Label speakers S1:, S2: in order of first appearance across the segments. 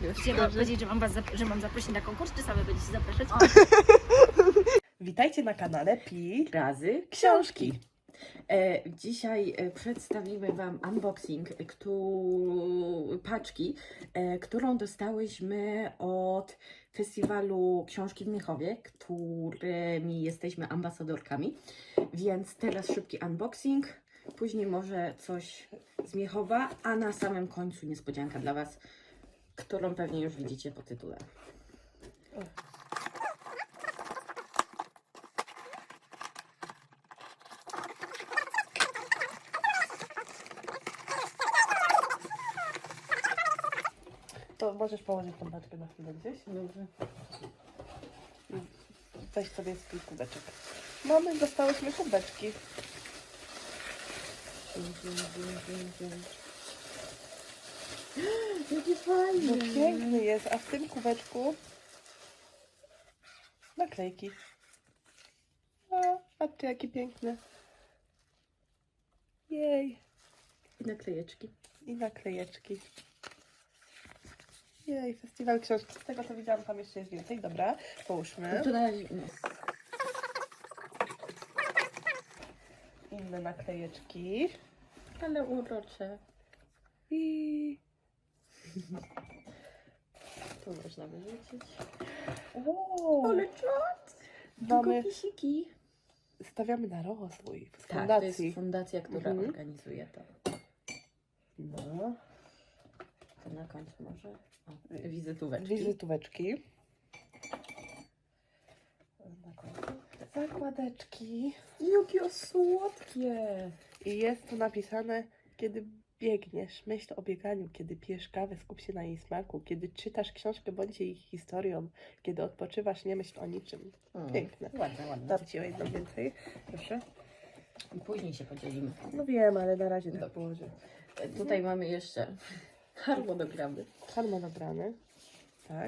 S1: Chciałam powiedzieć, że mam zaprosić na konkurs, czy same będziecie zapraszać?
S2: Witajcie na kanale Pi
S3: Razy
S2: Książki.
S3: Dzisiaj przedstawimy Wam unboxing paczki, którą dostałyśmy od Festiwalu Książki w Miechowie, którymi jesteśmy ambasadorkami. Więc teraz szybki unboxing, później może coś z Miechowa, a na samym końcu niespodzianka dla Was, którą pewnie już widzicie po tytule.
S2: To możesz położyć tą paczkę na chwilę gdzieś.
S3: Dobrze.
S2: Weź sobie swój kubeczek. Dostałyśmy kubeczki.
S3: Jakie fajne!
S2: No piękny jest, a w tym kubeczku naklejki. Patrzcie, jaki piękny. Jej.
S3: I naklejeczki.
S2: I naklejeczki. Jej, festiwal książki. Z tego co widziałam, tam jeszcze jest więcej. Dobra, połóżmy.
S3: Tu na razie,
S2: Inne naklejeczki.
S3: ale urocze.
S2: I
S3: Tu można wyrzucić.
S2: o,
S3: Ale czad!
S2: mamy,
S3: Pisiki.
S2: stawiamy na rozwój w
S3: Tak, to
S2: fundacji.
S3: jest fundacja, która
S2: Mhm.
S3: organizuje to.
S2: No,
S3: To na końcu może. O, wizytóweczki.
S2: wizytóweczki. Na końcu. Zakładeczki.
S3: Jakie słodkie!
S2: I jest tu napisane, kiedy biegniesz, myśl o bieganiu, kiedy pijesz kawę, skup się na jej smaku, kiedy czytasz książkę, bądź jej historią, kiedy odpoczywasz, nie myśl o niczym. Piękne.
S3: Ładne, ładne.
S2: Dam Ci o jedną więcej, proszę.
S3: I później się podzielimy.
S2: No wiem, ale na razie tak
S3: Dobrze.
S2: położę.
S3: Tutaj mamy jeszcze harmonogramy.
S2: Harmonogramy. Tak.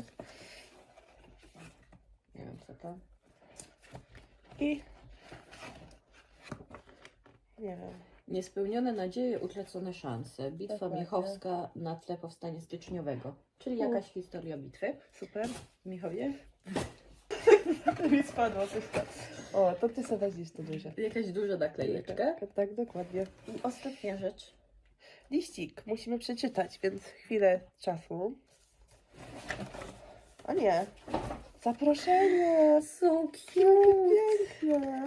S3: Nie wiem co to.
S2: I nie wiem.
S3: Niespełnione nadzieje, utracone szanse. Bitwa
S2: Dokładnie.
S3: Miechowska na tle powstania styczniowego. Czyli jakaś historia bitwy
S2: Super.
S3: w Miechowie.
S2: Mi spadło coś tam. O, to Ty sobie weźmiesz to duże.
S3: Jakaś duża naklejeczka.
S2: Tak, dokładnie.
S3: I ostatnia rzecz.
S2: Liścik musimy przeczytać, więc chwilę czasu. A nie. Zaproszenie.
S3: So
S2: Pięknie.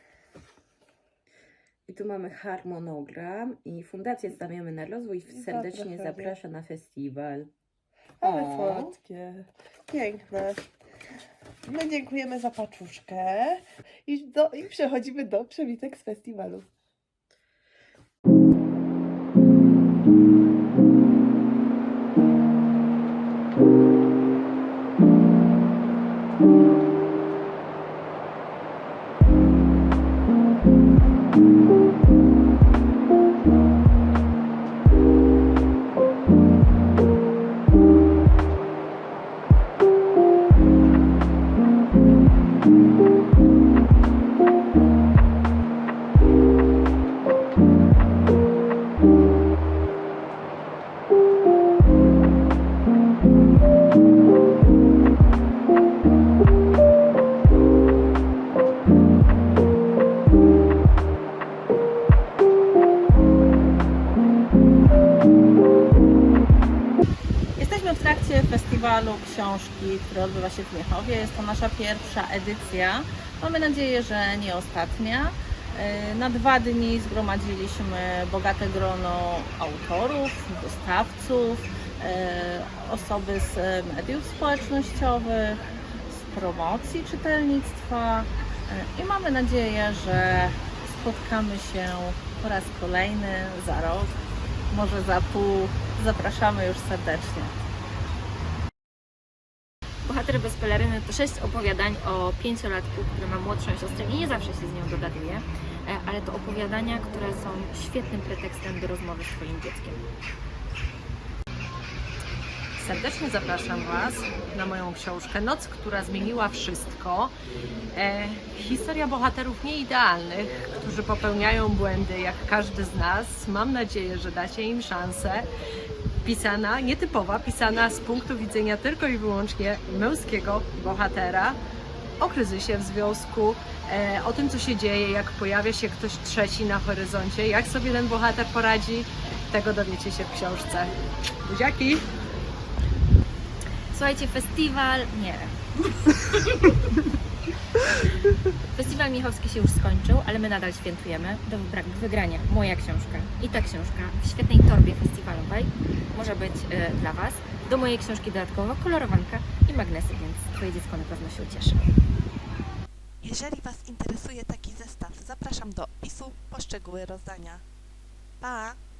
S3: I tu mamy harmonogram i Fundację Stawiamy na Rozwój serdecznie
S2: Zapraszamy.
S3: zaprasza na festiwal.
S2: Ale
S3: O.
S2: słodkie. Piękne. My dziękujemy za paczuszkę i przechodzimy do przewitek z festiwalu.
S1: Jesteśmy w trakcie festiwalu książki, który odbywa się w Miechowie. Jest to nasza pierwsza edycja. Mamy nadzieję, że nie ostatnia. Na 2 dni zgromadziliśmy bogate grono autorów, dostawców, osoby z mediów społecznościowych, z promocji czytelnictwa i mamy nadzieję, że spotkamy się po raz kolejny za rok, może za pół. Zapraszamy już serdecznie. Bohater bez peleryny to 6 opowiadań o 5-latku, który ma młodszą siostrę i nie zawsze się z nią dogaduje, ale to opowiadania, które są świetnym pretekstem do rozmowy z Twoim dzieckiem.
S4: Serdecznie zapraszam Was na moją książkę Noc, która zmieniła wszystko. Historia bohaterów nieidealnych, którzy popełniają błędy jak każdy z nas. Mam nadzieję, że dacie im szansę. pisana, nietypowa, pisana z punktu widzenia tylko i wyłącznie męskiego bohatera, o kryzysie w związku, o tym, co się dzieje, jak pojawia się ktoś trzeci na horyzoncie, jak sobie ten bohater poradzi, tego dowiecie się w książce. Buziaki!
S5: Słuchajcie, festiwal... nie. Festiwal Miechowski się już skończył, ale my nadal świętujemy. Do wygrania moja książka i ta książka w świetnej torbie festiwalowej może być dla Was. Do mojej książki dodatkowo kolorowanka i magnesy, więc Twoje dziecko na pewno się ucieszy.
S2: Jeżeli Was interesuje taki zestaw, zapraszam do opisu po szczegóły rozdania. Pa!